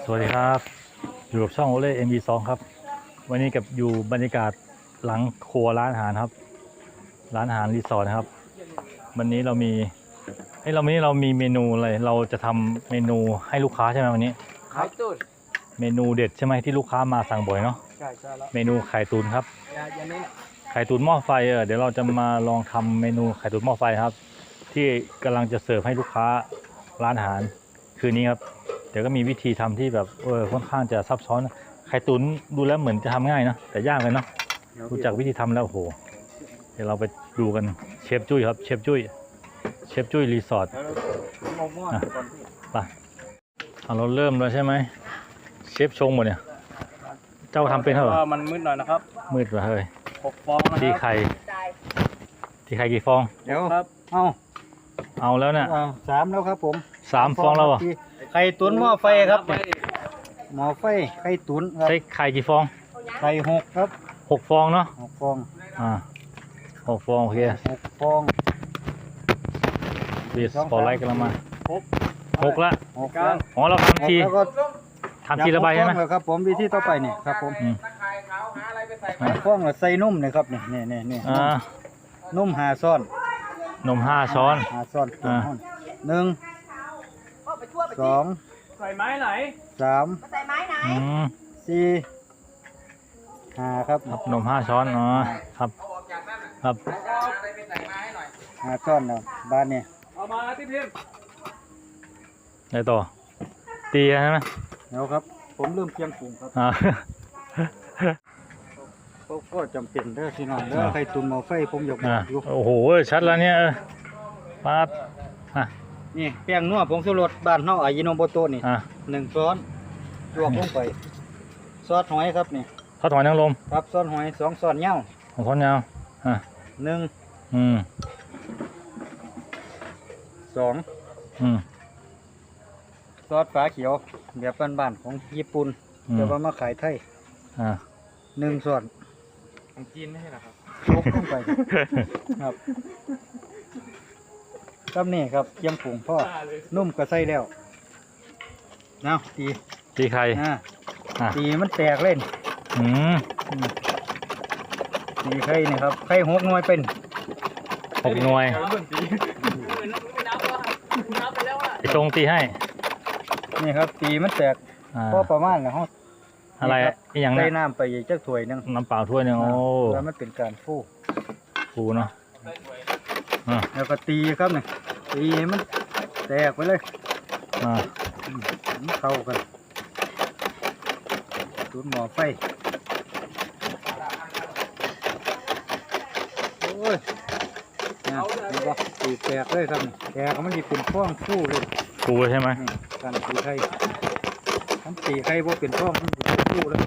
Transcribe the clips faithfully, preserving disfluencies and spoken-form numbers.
สวัสดีครับอยู่กับช่องโอเล่ เอ็ม บี สอง ครับวันนี้กับอยู่บรรยากาศหลังครัวร้านอาหารครับร้านอาหารรีสอร์ทนะครับวันนี้เรามีเฮ้ยเราวันนี้เรามีเมนูอะไรเราจะทำเมนูให้ลูกค้าใช่ไหมวันนี้ไข่ตุ๋นเมนูเด็ดใช่ไหมที่ลูกค้ามาสั่งบ่อยเนาะใช่ใช่แล้วเมนูไข่ตุ๋นครับอย่าอย่าเน้นไข่ตุ๋นหม้อไฟเออเดี๋ยวเราจะมาลองทำเมนูไข่ตุ๋นหม้อไฟครับที่กำลังจะเสิร์ฟให้ลูกค้าร้านอาหารคืนนี้ครับเดี๋ยวก็มีวิธีทำที่แบบเออค่อนข้างจะซับซ้อนไข่ตุ๋นดูแล้วเหมือนจะทำง่ายนะแต่ยากเลยเนาะรู้จักวิธีทำแล้วโอ้โหเดี๋ยวเราไปดูกันเชฟจุ้ยครับเชฟจุ้ยเชฟจุ้ยรีสอร์ทไปเราเริ่มแล้วใช่ไหมเชฟชงหมดเนี่ยเจ้าทำเป็นเท่าไหร่มันมืดหน่อยนะครับมืดว่ะเฮ้ยหกฟองนะครับตีไข่ตีไข่กี่ฟองเดี๋ยวครับเอาเอาแล้วเนี่ยสามแล้วครับผมสามฟองแล้วอ่ะไข่ตุ๋นหม้อไฟครับหม้อไฟไข่ตุ๋นครับใช้ไข่กี่ฟองไข่หกครับหกฟองเนาะหกฟองอ่าหกฟองโอเคหกฟองบีสปอร์ไลท์กันแล้วมาหกหกละหกแล้วอ๋อเราทำทีทำทีละใบใช่ไหมครับผมวิธีต่อไปเนี่ยครับผมฟองใส่นุ่มเลยครับเนี่ยเนี่ยเนี่ยเนี่ยนุ่มหาซ้อนนมห้าช้อนหาซ้อนหนึ่งสองใส่ไม้ไหนสามใส่ไม้ไหนสี่ห้าครับครับนมห้าช้อนอ๋อครับครับห้าช้อนเนาะบ้านเนี่ยเอามาที่พิมพ์ไหนต่อตีใช่ไหมเดี๋ยวครับผมเริ่มเพียงปรุงครับก็จำเป็นเด้อที่นอนเด้อไข่ตุ๋นหม้อไฟผมยกอยู่โอ้โหชัดแล้วเนี่ยปั๊บนี่แป้งนัวผงชูรสบ้านเฮาอายิโนโมโตะนี่หนึ่งช้อนลวกลงไปซอสหอยครับนี่ซอสหอยนางรมครับซอสหอยสองช้อนยาวสองช้อนยาวอ่ะหนึ่งอืมสองอืมซอสฝาเขียวแบบบ้านๆของญี่ปุ่นแต่ว่ามาขายไทยอ่าหนึ่งช้อนของจีนไม่ใช่หรอครับลวกลงไปครับครับนี่ครับเยี่ยมผงพ่อนุ่มก็ใส่แล้วนะตีตีไข่ตีมันแตกเล่นอืมตีไข่นี่ครับไข่หกหน่วยเป็นหกหน่วยไอ้ตรงตีให้นี่ครับตีมันแตกพอประมาณนะฮะอะไรอย่างนั้นใส่น้ำไปอีกจักถ้วยนึงน้ำเปล่าถ้วยนึงโอ้แล้วมันเป็นการฟูฟูเนาะแล้วก็ตีครับเนี่ยตีมันแตกไปเลยอ่าเข้ากันตุ๋นหม้อไฟโอ้ยนะนี่ก็ตีแตกเลยครับแตกมันจะเป็นฟ้องฟูเลยฟูใช่ไหมการตีไข่มันตีไข่พวกเป็นฟ้องมันเป็นฟูแล้ว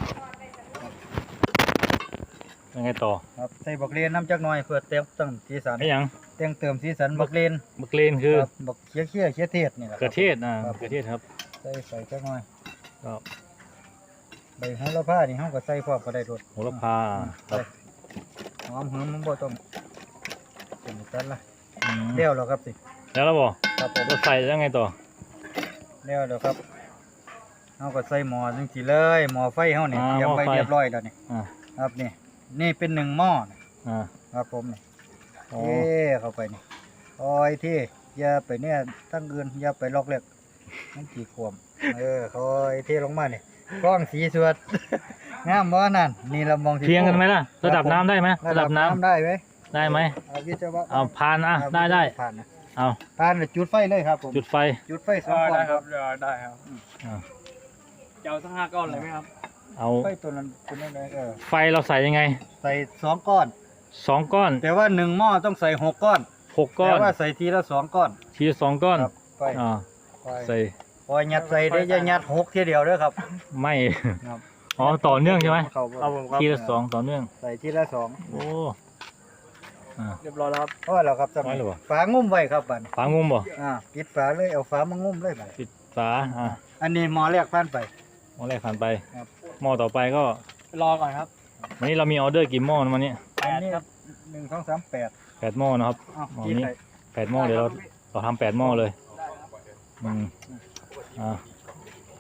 ยังไงต่อครับใส่บักเลนน้ำจักหน่อยเพื่อเติมเติมสีสันไม่ยังเติมเติมสีสันบักเลนบักเลนคือบักเคี้ยเคี้ยเคี้ยเทศนี่แหละกระเทศอ่าเกระเทศครับใส่ใส่จักหน่อยครับใบโหระพานี่เขาก็ใส่พร้อมก็ได้รสโหระพาครับหอมหืมมันบ่ต้องเป็นกันละเลี้ยวแล้วครับสิแล้วเราบอกครับผมเราใส่ยังไงต่อเลี้ยวแล้วครับเขาก็ใส่หม้อจังสิเลยหม้อไฟเขาเนี่ยเตรียมไว้เรียบร้อยแล้วนี่ครับนี่นี่เป็นหนึ่งหม้อครับผมนี่เอ๊เข้าไปนี่โอ้ยที่อย่าไปเนี่ยทั้งอื่นอย่าไปลอกเล็กนั่นกี่ขวมเออคอยเทลงมาเนี่ยกล้องสีสวดงามบ่นั่นนี่เรามองเพียงกันไหมล่ะระดับน้ำได้ไหมระดับน้ำได้ไหมได้ไหมเอาวิศวะเอาผ่านอ่ะได้ได้ผ่านนะเอาผ่านจุดไฟเลยครับผมจุดไฟจุดไฟสองก้อนครับได้ครับจะเอาสักห้าก้อนเลยไหมครับเอาไฟตัวนั้นตัวนั้นเลยไฟเราใส่ยังไงใส่สองก้อนสองก้อนแต่ว่าหนึ่งหม้อต้องใส่หกก้อนหกก้อนแต่ว่าใส่ทีละสองก้อนทีละสองก้อนอ่าใส่พอยัดใส่ได้จะยัดหกทีเดียวด้วยครับไม่อ๋อต่อเนื่องใช่ไหมทีละสองต่อเนื่องใส่ทีละสองโอ้เรียบร้อยแล้วครับพอแล้วครับสมัยฝางุ้มไว้ครับบัดฝางุ้มบ่อ่าปิดฝาเลยเอาฝามางุ้มเลยบัดปิดฝาอ่าอันนี้หม้อแรกผ่านไปหม้อแรกผ่านไปหม้อต่อไปก็รอก่อนครับวันนี้เรามีออเดอร์กี่หม้อวันนี้แปดครับหนึ่งสองสามแปดแปดหม้อนะครับหม้อนี้แปดหม้อเดี๋ยวเราเราทำแปดหม้อเลยอืมอ่า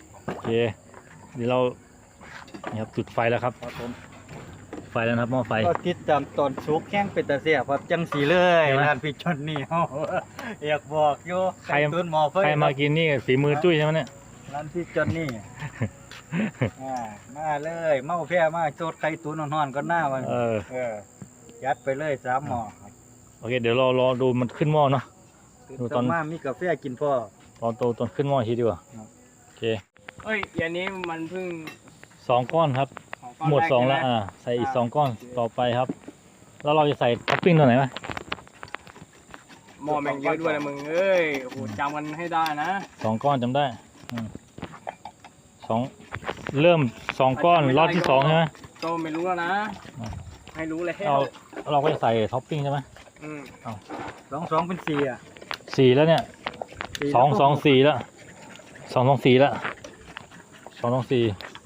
เคเดี๋ยวเรานี่ครับจุดไฟแล้วครับครับผมไฟแล้วนะครับหม้อไฟก็ติดตามตอนสุกแข้งเป็นตาเสียครับจังสีเลยเห็นไหมร้านพี่จอนนี่เฮาอยากบอกอยู่ใครตุนหมอไฟใครมากินนี่ฝีมือจุ้ยใช่ไหมเนี่ยร้านพี่จอนนี่อ่ามาเลยเมาแพ้มาโจดไข่ตุ๋นนอนๆก็หน้ามันเออเออยัดไปเลยสามหม้อครับโอเคเดี๋ยวเรารอดูมันขึ้นหม้อเนาะ ดูตอนมามีกาแฟกินพ่อตอนโตตอนขึ้นหม้ออีกทีดีกว่าครับโอเคเอ้ยอย่างนี้มันเพิ่งสองก้อนครับของก้อนหมดแรกสองแล้วใช่ไหมอ่าใส่อีกสองก้อนต่อไปครับ แล้วเราจะใส่ท็อปปิ้งตัวไหนไหมหม้อแม่งเยอะด้วยนะมึงเอ้ยโอ้โหจำกันให้ได้นะสองก้อนจำได้อืมสองเริ่มสองก้อนรอบที่สองใช่ไหมก็ไม่รู้แล้วนะอ่ะให้รู้เลยเราเราก็จะใส่ท็อปปิ้งใช่ไหมอืมสองสองเป็นสี่อ่ะสี่แล้วเนี่ยสี่สองแล้วก็สองสี่แล้วสองสองสี่แล้วสองสองสี่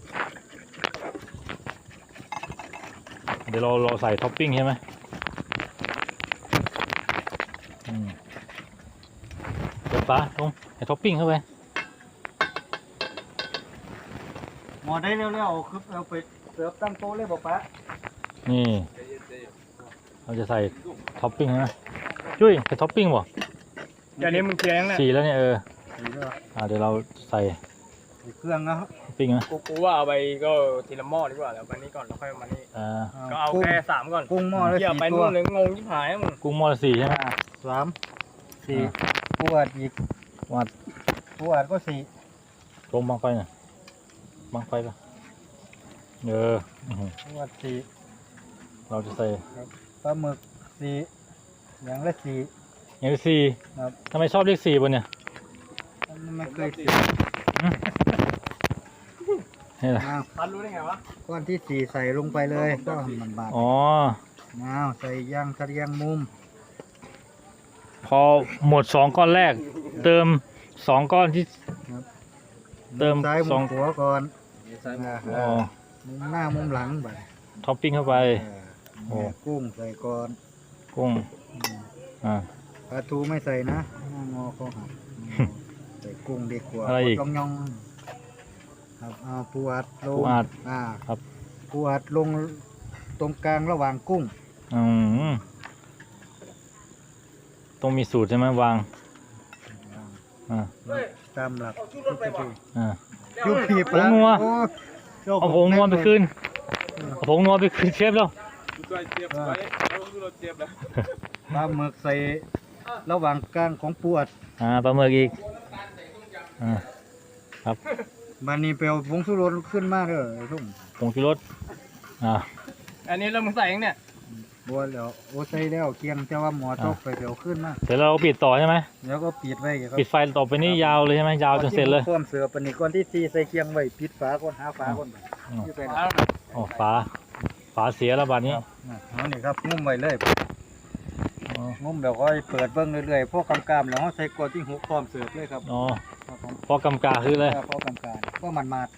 เดี๋ยวเราเราใส่ท็อปปิ้งใช่ไหมอืมเดี๋ยวป้าลงใส่ท็อปปิ้งเข้าไปหมอได้เร็วๆเอาคือเอาไปเสิร์ฟตั้งโต๊ะเลยบอกปะนี่เราจะใส่ท็อปปิ้งใช่ไหมจุ้ยใส่ท็อปปิ้งบ่อย่างนี้มึงเคลียร์ยังเนี่ยสี่แล้วเนี่ยเออสี่แล้วอ่าเดี๋ยวเราใส่ใส่เครื่องนะครับท็อปปิ้งนะกูกูว่าเอาไปก็ทีละหม้อดีกว่าแล้วมานี่ก่อนแล้วค่อยมานี่อ่าก็เอากุ้งแค่สามก่อนกุ้งหม้อละเกี่ยวสี่ไปตันู่วนเลยงงยิ่งหายมึงกุ้งหม้อละสี่ใช่ไหมอ่าสามสี่อ่าปวดอีกวัดปวดก็สี่ลงบังไฟหน่อยบังไฟปะเอออื้อหือปวดสี่เราจะใส่ปลาหมึกสี่อย่างละสี่อย่างที่สี่ครับทำไมชอบเลขสี่บนเนี่ยมันไม่เคยสี่นี่แหละอ้าวพันรู้ได้ไงวะก้อนที่สี่ใส่ลงไปเลยก็มันบาดอ๋ออ้าวใส่ย่างทะเลียงมุมพอหมดสองก้อนแรก เติมสองก้อนที่ เติมมุซ้ายสมุองมขวาก่อนอ๋อมุมหน้ามุมหลังไปท็อปปิ้งเข้าไป โอ้เนี่ยกุ้งใส่ก่อนกุ้งอืมอ่าปลาทูไม่ใส่นะหน้างอเขาหักใส่กุ้งดีกว่าอะไรอีกยองยองๆครับเอาปูอัดลงปูอัดอ่าครับปูอัดลงตรงกลางระหว่างกุ้งอืมต้องมีสูตรใช่ไหมวาง อ่าตามหลักอ่ายุบพีปผงนัวโอ้โจ้เอาผงนวลไปคืนเอาผงนวลไปคืนเชฟแล้วปลาหมึกใส่ระหว่างกลางของปูอัดอ่าปลาหมึกอีก อ่า ครับมันนี่เปลวผงสุรสขึ้นมากเลยไอ้ทุ่มผงชูรส อ่าอันนี้เรามึงใส่ยังเนี่ยบัวแล้วโอ้ใส่แล้วเคียงแต่ว่าหมอตกไปเปลวขึ้นมากเสร็จแล้วเราก็ปิดต่อใช่ไหมแล้วก็ปิดไว้ครับปิดไฟต่อไปนี่ยาวเลยใช่ไหมยาวจนเสร็จเลยพร้อมเสือปานนิก่อนที่ตีใส่เคียงไว้ปิดฝาก่อนหาฝาก่อนไปอืมที่ใส่เอาอ๋อฝา ฝาเสียแล้วบาดนี้เอานี่ครับงุ้มไว้เลยอ๋องุ้มแล้วก็เปิดเบิ้งเรื่อยๆพวกกำกามแล้วเราใส่กวดที่หุกพร้อมเสิร์ฟเลยครับอ๋อครับผมพอกำกาคือเลยพวกกำกามก็มันมาด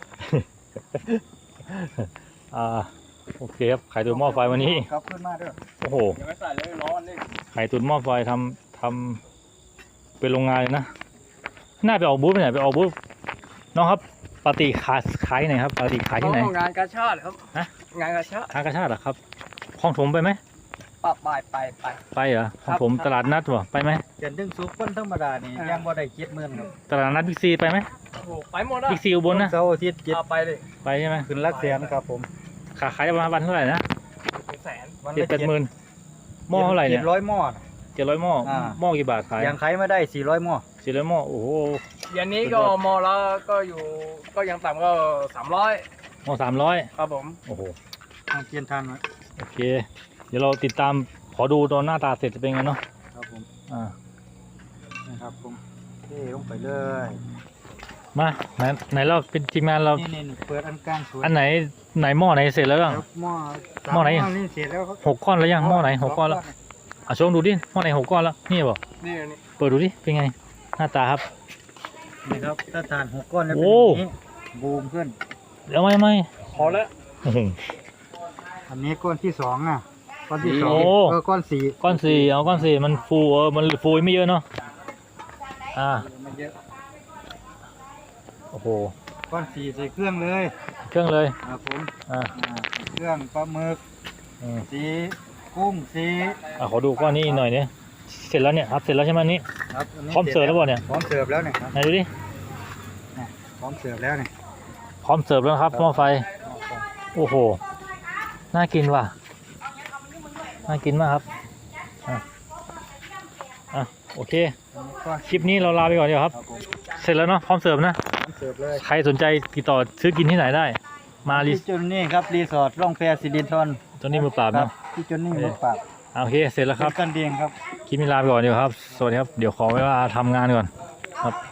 อ่า โอเคครับ ไข่ตุ๋นหม้อไฟวันนี้ครับขึ้นมาเด้อโอ้โหอย่าไปใส่เลยร้อนนี่ไข่ตุ๋นหม้อไฟทำทำเป็นโรงงานเลยนะ น่าไปออกบูธไปไหนไปออกบูธน้องครับปาติขายขายที่ไหนครับปาติขายที่ไหนงานกาชาติครับฮะงานกาชาติทางกระชาติเหรอครับคลองถมไปไหมปะไปไปไปไปเหรอคลองถมครับตลาดนัดวะไปไหมเกินถึงสุกคนธรรมดานี่อ่ายัยังบ่ได้เจ็ดหมื่นครับตลาดนัดบิ๊กซีไปไหมโอ้โหไปหมดอ่ะบิ๊กซีอุบลนะเสาร์อาทิตย์เจ็ดเอาไปเลยไปใช่ไหมขึ้นหลักแสนครับผมขาขายได้ประมาณวันเท่าไหร่นะเป็นแสนวันเจ็ดละแปดหมื่นหม้อเท่าไหร่เนี่ยจ็ดร้อยหม้อน่ะเจ็ดร้อยหม้ออ่าหม้อกี่บาทขายยังขายไม่ได้สี่ร้อยหม้อสี่ร้อยหม้อโอ้โหอย่างนี้ก็มอแล้วก็อยู่ก็ยังต่ำก็สามร้อยหม้อสามร้อยครับผมโอ้โหเอาเปลี่ยนทางหน่อยโอเค เดี๋ยวเราติดตามขอดูตอนหน้าตาเสร็จจะเป็นไงเนาะครับผมอ่านะครับผมเทลงไปเลยมาไหนไหนเราเป็นทีมงานเรานี่นี่เปิดอันกลางสวยอันไหนไหนหม้อไหนเสร็จแล้วบ้างครับหม้อสาหม้อไหนนี่เสร็จแล้วครับหกก้อนแล้วยังหม้อไหนหกก้อนแล้วอ่ะชมดูดิหม้อไหนหกก้อนแล้วนี่บอกนี่นี่เปิดดูดิเป็นไงหน้าตาครับนี่ครับถ้าทานหกก้อนแล้วโอ้เป็นอย่างนี้บูมขึ้นเดี๋ยวไม่ไม่พอแล้วโอ้โหอันนี้ก้อนที่สองอ่ะก้อนที่สองโอ้เออก้อนสี่ก้อนสี่เอาก้อนสี่มันฟูเออมันฟูไม่เยอะเนาะอ่ามันเยอะโอ้โหก้อนสีใส่เครื่องเลยเครื่องเลยครับผมอ่าอ่าเครื่องปลาหมึกอืมสีกุ้งสีอ่ะขอดูก้อนนี้หน่อยเนี่ยเสร็จแล้วเนี่ยครับเสร็จแล้วใช่ไหมอันนี้ครับนนี้พร้อมเสิร์ฟแล้วเปล่าเนี่ยพร้อมเสิร์ฟแล้วเนี่ยครับไหนดูดิเนี่ยพร้อมเสิร์ฟแล้วเนี่ยพร้อมเสิร์ฟแล้วครับหม้อไฟ โอ้โห น่ากินว่ะ น่ากินมากครับ อ่ะ อ่ะ โอเคอันนี้ก็คลิปนี้เราลาไปก่อนดีกว่าครับครับผมเสร็จแล้วเนาะ พร้อมเสิร์ฟนะพร้อมเสิร์ฟเลยใครสนใจติดต่อซื้อกินที่ไหนได้ มารีที่จุนนี่ครับรีสอร์ทร่องแพสิรินทรตัวนี้มือปราบครัเนาะบที่จุนนี่มือปราบอ่ะโอเค เสร็จแล้วครับเป็นกันเดียงครับคลิปนี้ลาไปก่อนดีกว่าครับ สวัสดีครับ เดี๋ยวขอเวลาทำงานก่อนครับ